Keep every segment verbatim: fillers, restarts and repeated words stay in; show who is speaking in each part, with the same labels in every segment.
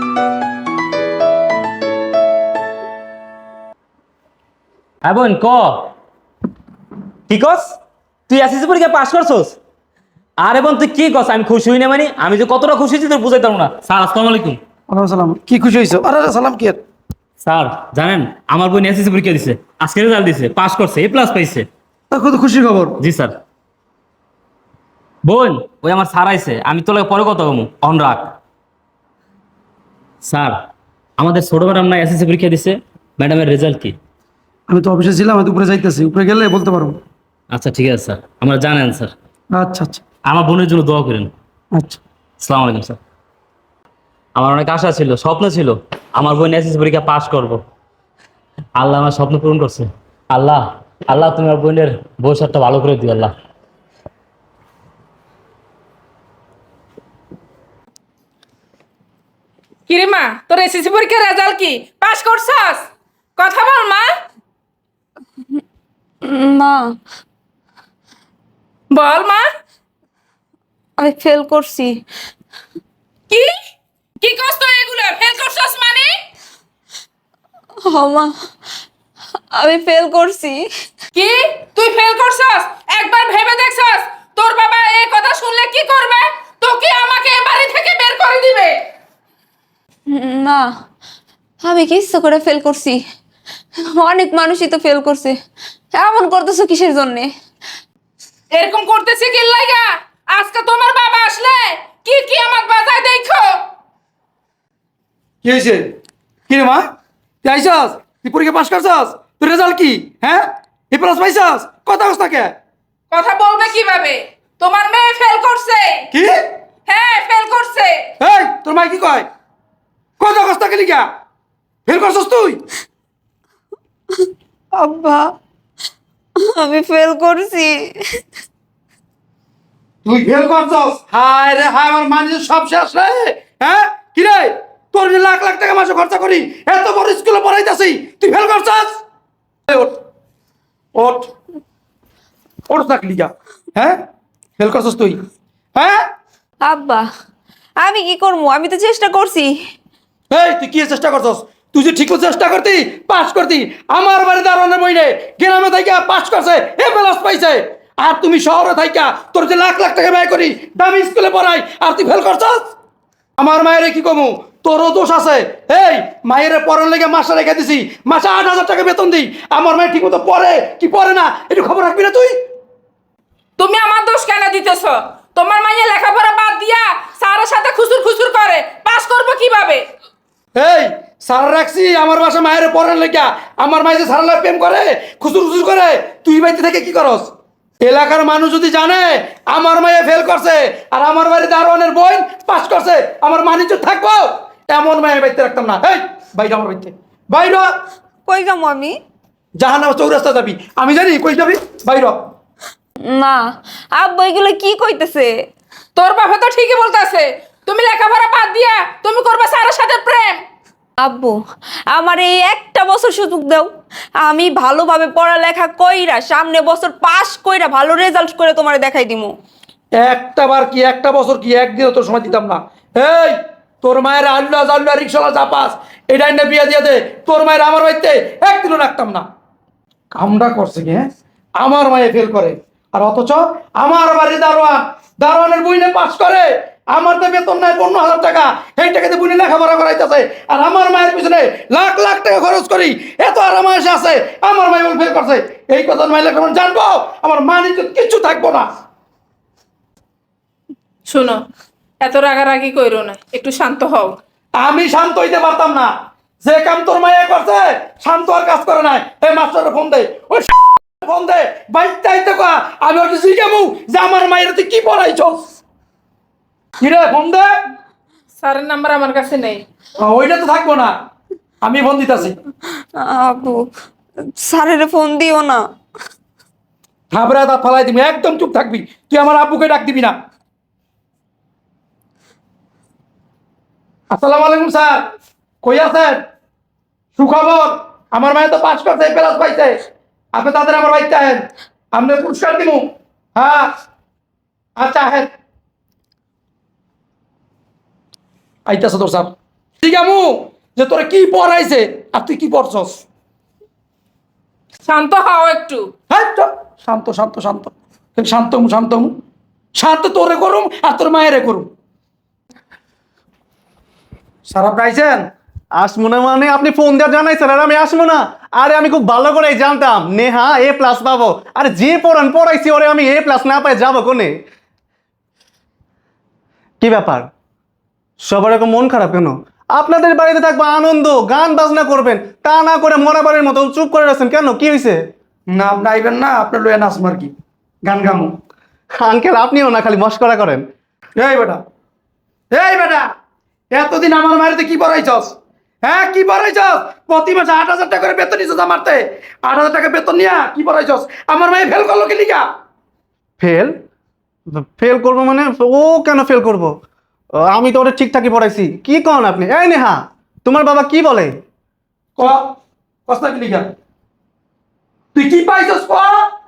Speaker 1: হ্যাঁ বোন ক কি কস তুই এসএসসি পরীক্ষা পাস করছস? আরে বোন তুই কি কস? আমি খুশি হই না মানে আমি যে কতটা খুশি হয়েছি তোর বুঝাইতাম না। স্যার আসসালামু আলাইকুম।
Speaker 2: ওয়ালাইকুম সালাম। কি খুশি হয়েছো? আরে আরে সালাম কি আর?
Speaker 1: স্যার জানেন আমার বোন এসএসসি পরীক্ষা দিছে, আজকে রেজাল্ট দিছে, পাস করছে, এ প্লাস পাইছে।
Speaker 2: তা কত খুশির খবর।
Speaker 1: জি স্যার। বোন ওই আমার স্যার আইছে, আমি তোকে পরে কথা কমু, অন রাখ। স্যার আমাদের ছোট ম্যাডাম না এসএসসি পরীক্ষা দিছে, ম্যাডামের রেজাল্ট কি?
Speaker 2: আমি তো অফিসে ছিলাম, আমি তো উপরে যাইতেছি, উপরে গেলে বলতে পারবো।
Speaker 1: আচ্ছা ঠিক আছে স্যার, আমরা জানেন স্যার।
Speaker 2: আচ্ছা আচ্ছা
Speaker 1: আমার বোনের জন্য দোয়া করেন।
Speaker 2: আচ্ছা।
Speaker 1: আসসালামু আলাইকুম স্যার। আমার অনেক আশা ছিল, স্বপ্ন ছিল আমার বোন এসএসসি পরীক্ষা পাস করব। আল্লাহ আমার স্বপ্ন পূরণ করছে। আল্লাহ আল্লাহ তুমি আমার বোনের ভবিষ্যৎটা ভালো করে দিও আল্লাহ।
Speaker 3: কিরে মা, তোর এসএসসি পরীক্ষার রেজাল্ট কি? পাস করছস? কথা বল মা।
Speaker 4: না,
Speaker 3: বল মা।
Speaker 4: আমি ফেল করছি।
Speaker 3: কি কি কষ্ট এগুলো? ফেল করছস মানে?
Speaker 4: হ মা, আমি ফেল করছি।
Speaker 3: কি তুই ফেল করছস? একবার ভেবে দেখছস তোর বাবা এই কথা শুনলে কি করবে? তোকে আমাকে এ বাড়ি থেকে বের করে দিবে।
Speaker 4: না, আমি কি ইচ্ছা করে ফেল করছি? অনেক মানুষই তো ফেল করছে, এমন করতেছো কিসের জন্যে?
Speaker 3: এরকম করতেছে কি লাগা? আজকে তোমার বাবা আসলে কি কি আমার বাজায় দেখো।
Speaker 2: কি হয়েছে? কি রে মা, তুই আইসস? তুই পরীক্ষা পাস করছস? তোর রেজাল্ট কি? হ্যাঁ, এ প্লাস পাইছস? কথা কস তাকে।
Speaker 3: কথা বলবে কিভাবে? তোমার মেয়ে ফেল করছে।
Speaker 2: কি?
Speaker 3: হ্যাঁ ফেল করছে।
Speaker 2: এই তোর মাই কি কয়? কথা কস তাকে লিখা ফেল করছস তুই?
Speaker 4: আব্বা, আমি ফেল করছি।
Speaker 2: তুই ফেল করছস? হায় রে হায়, আমার মানুষ সব শেষ রে। হ্যাঁ কি রে, তোর যে লাখ লাখ টাকা মাসে খরচা করি, এত বড় স্কুলে পড়াইতাছি, তুই ফেল করছস? এই ওঠ ওঠ ওঠ থাকলি যা। হ্যাঁ ফেল করছস তুই? হ্যাঁ
Speaker 4: আব্বা, আমি কি করবো? আমি তো চেষ্টা করছি।
Speaker 2: এই তুই কি চেষ্টা করছস? তুই যে ঠিক চেষ্টা করতি, পাস করতি। আমার বাড়ি দারোয়ানের বইনে গ্রামে থাইকা পাস করছে, এ প্লাস পাইছে। আর তুমি শহরে থাইকা তোর যে লাখ লাখ টাকা ব্যয় করি দামি স্কুলে পড়াই, আর তুই ফেল করছস? আমার মায়ের কি কমু, তোরও দোষ আছে। এই মায়ের পড়ার লেগে মাসে রেখে দিছি, মাসে আট হাজার টাকা বেতন দিই। আমার মায়ের ঠিক মতো পড়ে কি পড়ে না একটু খবর রাখবি না তুই?
Speaker 3: তুমি আমার দোষ কেন দিতেছ? তোমার মাইয়া লেখাপড়া বাদ দিয়া স্যারের সাথে খুসুর খুসুর করে, পাস করবো কিভাবে?
Speaker 2: এই সারা রাখছি আমার বাসা মায়ের পড়ার লেগা। আমার মায়ের যে সারালা প্রেম করে, খুচুর খুচুর করে, তুই বাড়িতে থেকে কি করস? এলাকার মানুষ যদি জানে আমার মায়ে ফেল করছে আর আমার বাড়িতে দারোয়ানের বোন পাস করছে, আমার মানিজ্য থাকবো? এমন মায়ের বাড়িতে রাখতাম না। এই বাইরে আমার বাড়িতে বাইর।
Speaker 4: কই যাবো আমি?
Speaker 2: জাহান্নামে চৌরাস্তা যাবি, আমি জানি কই যাবি, বাইর।
Speaker 4: না আব্বা, এগুলো কি কইতেছে?
Speaker 3: তোর বাবা তো ঠিকই বলতেছে, তুমি লেখাপড়া বাদ দিয়া তুমি করবে স্যারের সাথে প্রেম।
Speaker 4: আব্বু, আমার এই একটা বছর সুযোগ দাও, আমি ভালোভাবে পড়ালেখা কইরা সামনে বছর পাস কইরা ভালো রেজাল্ট করে তোমার দেখাই দিমু।
Speaker 2: একটা বার কি একটা বছর কি একদিনও তোর সময় দিতাম না। এই তোর মায়ের আল্লাহ আল্লাহ রিক্সাওয়ালা চাপাস, এটা এনে বিয়ে দিয়ে দে। তোর মায়ের আমার বাড়িতে একদিনও রাখতাম না। কামটা করছে কি? হ্যাঁ, আমার মায়ে ফেল করে, আর অথচ আমার বাড়ি দারোয়ান দারোয়ানের বইনে পাস করে। আমার তো বেতন নাই পনেরো হাজার টাকা, এই টাকাতে বইনে লেখাপড়া করাইতেছে। আর আমার মায়ের পিছনে লাখ লাখ টাকা খরচ করি, এত আরাম এসে আছে, আমার মায়ে বলে ফেল করছে। এই কথা মায়ের লেখাপড়া জানবো, আমার মা নিজে কিচ্ছু থাকবো না।
Speaker 3: শোনো, এত রাগারাগি কইরো না, একটু শান্ত হও।
Speaker 2: আমি শান্ত হইতে পারতাম না। যে কাম তোর মায়ে করছে, শান্ত আর কাজ করে নাই। এই মাস্টারের ফোন দে, ওই ফোন দে, বাইতে আইতে কয়া আমি ওকে জিজ্ঞামু যে আমার মায়ের তুই কি পড়াইছস। কি রে, ফোন দে।
Speaker 3: স্যারের নাম্বার আমার কাছে নেই।
Speaker 2: ওইটা তো থাকবো না, আমি ফোন দিতেছি।
Speaker 4: আব্বু, স্যারের ফোন দিও না।
Speaker 2: থাবরা দাঁত ফালাই দিবি, একদম চুপ থাকবি। তুই আমার আব্বুকে ডাক দিবি না। আসসালামু আলাইকুম স্যার, কই আছেন? সুখবর, আমার মায়ে তো পাস করছে, প্লাস পাইছে। আপনি তাদের আমার বাড়িতে আহেন, আমি পুরস্কার দিব। হ্যাঁ আচ্ছা আহেন। আইতাছে তোর স্যার। ঠিক আমু যে তোরে কি পড়াইছে আর তুই কি পড়ছস?
Speaker 3: শান্ত হও একটু।
Speaker 2: হ্যাঁ চল, শান্ত শান্ত শান্ত শান্ত হমু, শান্ত হমু। শান্ত তোরে করুম আর তোর মায়েরে করুম। সারা পাইছেন?
Speaker 5: আসবো না মানে আপনি ফোন দিয়ে জানাইছেন আর আমি আসবো না? আরে আমি খুব ভালো করে জানতাম নেহা এ প্লাস পাবো। আরে যে পড়ান পড়াইছি ওরে আমি এ প্লাস না পাই যাবো কোনে? কি ব্যাপার সবার এরকম মন খারাপ কেন? আপনাদের বাড়িতে থাকবো আনন্দ, গান বাজনা করবেন, তা না করে মরা বাড়ির মতো চুপ করে আছেন কেন? কি হয়েছে?
Speaker 2: না আপনি আইবেন না, আপনার লয়ে নাচবো আর কি, গান গামু।
Speaker 5: আঙ্কেল আপনিও না খালি মস্করা করেন।
Speaker 2: এই বেটা, এই বেটা, এতদিন আমার মায়ের কি পড়াইছস? হ্যাঁ কি পড়াইছস? প্রতি মাসে আট হাজার টাকা করে বেতন নিছস আমারতে। আট হাজার টাকা বেতন নিয়া কি পড়াইছস? আমার মায়ে ফেল করলো কি লিগা?
Speaker 5: ফেল? ফেল করবো মানে? ও কেন ফেল করবো? আমি তো ওটা ঠিকঠাকই পড়াইছি। কি কন আপনি? এই নেহা তোমার বাবা কি বলে?
Speaker 2: ক কষ্ট কি লিগা? তুই কি পাইছস ক?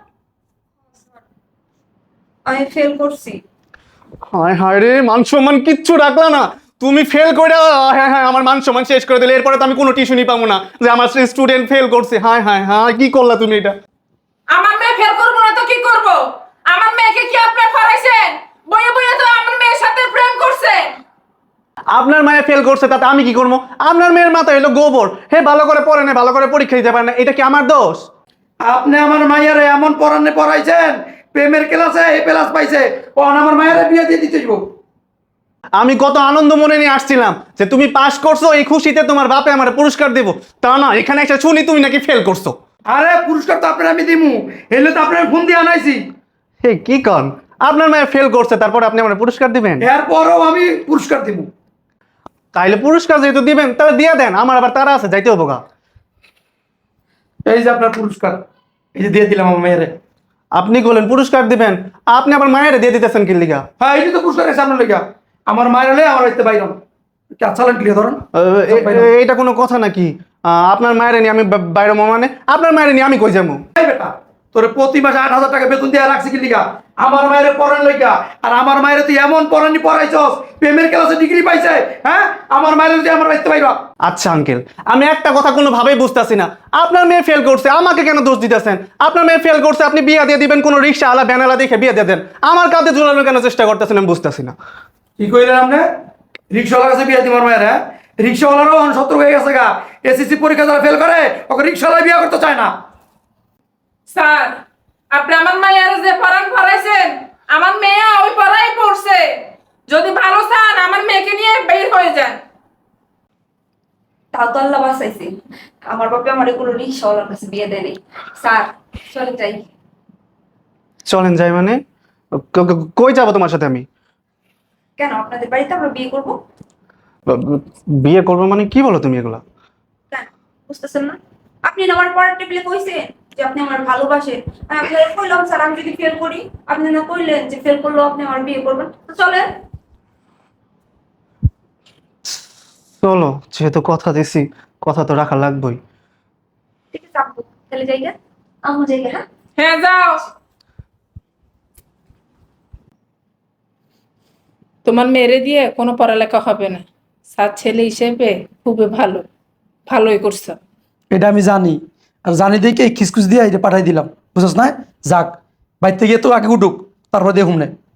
Speaker 4: আমি ফেল করছি।
Speaker 5: হায় হায় রে, মান সম্মান কিচ্ছু রাখলা না তুমি। ফেল করে হ্যাঁ হ্যাঁ আমার মান সম্মান শেষ করে দিলে। এরপরে তো আমি কোনো টিউশনই পাবো না যে আমার স্টুডেন্ট ফেল করছে। হায় হায় হায়, কি করলা তুমি এটা?
Speaker 3: আমার মেয়ে ফেল করবো না তো কি করব? আমার মেয়েকে কি আপনি পড়াইছেন? বইয়ে বইয়ে তো আমার মেয়ের সাথে প্রেম করছে।
Speaker 5: আপনার মায়ে ফেল করছে তাতে আমি কি করবো? আপনার মেয়ের মাথা হলো গোবর। হে ভালো করে পড়ে না, ভালো করে পরীক্ষা দিতে পারে না, এটা কি আমার দোষ?
Speaker 2: আপনি আমার মাইয়ারে এমন পড়ানে পড়াইছেন, প্রেমের ক্লাসে এ প্লাস পাইছে, ও আমার মায়েরে বিয়ে দিয়ে দিতে যাবো।
Speaker 5: আমি কত আনন্দ মনে নিয়ে আসছিলাম যে তুমি পাস করছো, এই খুশিতে তোমার বাপে আমার পুরস্কার দেবো। তা না, এখানে এসে শুনি তুমি নাকি ফেল করছো।
Speaker 2: আরে পুরস্কার তো আপনার আমি দিমু, এলে তো আপনার ফোন দিয়ে আনাইছি।
Speaker 5: হে কি কন? আপনার মায়ে ফেল করছে তারপরে আপনি আমার পুরস্কার দিবেন?
Speaker 2: এরপরও আমি পুরস্কার দিমু।
Speaker 5: তাইলে পুরস্কার যেহেতু দিবেন তাহলে দিয়ে দেন, আমার আবার তারা আছে, যাইতে হবো গা।
Speaker 2: এই যে আপনার পুরস্কার, এই যে দিয়ে দিলাম আমার মেয়েরে।
Speaker 5: আপনি বলেন পুরস্কার দিবেন, আপনি আবার মায়ের দিয়ে দিতেছেন কি লিগা?
Speaker 2: হ্যাঁ এই যে তো পুরস্কার এসে আপনার লেগা, আমার মায়ের হলে আমার বাড়িতে বাইরম। চালান ক্লিয়ার ধরেন।
Speaker 5: আহ, এ- এ- এইটা কোনো কথা নাকি? আহ, আপনার মায়ের নিয়ে আমি বা- বাইরে মানে আপনার মায়ের নিয়ে আমি কই যাবো?
Speaker 2: এই বেটা, তোরে প্রতি মাসে আট হাজার টাকা বেতন দিয়ে রাখছি কি লিগা? আমার মায়ের পড়ান লেগা। আর আমার মায়ের তুই এমন পড়ানি পড়াইছস, প্রেমের ক্লাসে ডিগ্রি পাইছে। হ্যাঁ আমার মায়ের তুই আমার বাড়িতে বাইরা।
Speaker 5: আচ্ছা আঙ্কেল, আমি একটা কথা কোনোভাবেই বুঝতেছি না। আপনার মেয়ে ফেল করছে, আমাকে কেন দোষ দিতেছেন? আপনার মেয়ে ফেল করছে, আপনি বিয়ে দিয়ে দিবেন কোনো রিক্সা আলা ব্যানালা দেখে বিয়ে দিয়ে দেন। আমার কাঁধে ঝুলানোর কেন চেষ্টা করতেছেন আমি বুঝতেছি না।
Speaker 2: কি কইলেন আপনি? রিক্সাওয়ালার কাছে বিয়ে দিমার মায়ের? হ্যাঁ রিক্সাওয়ালারও শত্রু হয়ে গেছে গা। এসএসসি পরীক্ষা যারা ফেল করে ওকে রিক্সাওয়ালা বিয়ে করতে চায় না।
Speaker 3: স্যার, আপনি আমার মায়ের যে পড়ান পড়াইছেন, আমার মেয়ে ওই পড়াই পড়ছে। যদি ভালো চান আমার মেয়েকে নিয়ে বের হয়ে যান।
Speaker 4: তাও তো আল্লাহ বাঁচাইছে, আমার বাবা আমার এগুলো রিক্সাওয়ালার কাছে বিয়ে দেয়নি। স্যার চলে যাই।
Speaker 5: চলেন যাই মানে? ক- ক- কই যাবো তোমার সাথে আমি?
Speaker 4: কেন আপনাদের বাড়িতে আমরা বিয়ে করব?
Speaker 5: বিয়ে করবো মানে কি বলো তুমি এগুলা?
Speaker 4: কেন বুঝতেছেন না? আপনি না আমার পড়ার টেবিলে কইছেন যে আপনি আমার ভালোবাসেন। আমি আপনাকে কইলাম স্যার আমি যদি ফেল করি, আপনি না কইলেন যে ফেল করলেও আপনি আমার বিয়ে করবেন। তো চলেন।
Speaker 5: চলো, যেহেতু কথা দিছি কথা তো রাখা লাগবেই।
Speaker 4: ঠিক আছে আপু, তাহলে যাই গে। আমু যাই গে। হ্যাঁ
Speaker 3: হ্যাঁ যাও। তোমার মেরে দিয়ে কোনো পড়ালেখা হবে না। স্যার ছেলে হিসেবে খুবই ভালো, ভালোই করছো।
Speaker 2: এটা আমি জানি, আর জানি দেখে খিসখুস দিয়ে এটা পাঠাই দিলাম, বুঝছ না? যাক বাইর থেকে তো আগে উঠুক, তারপর দেখুন না।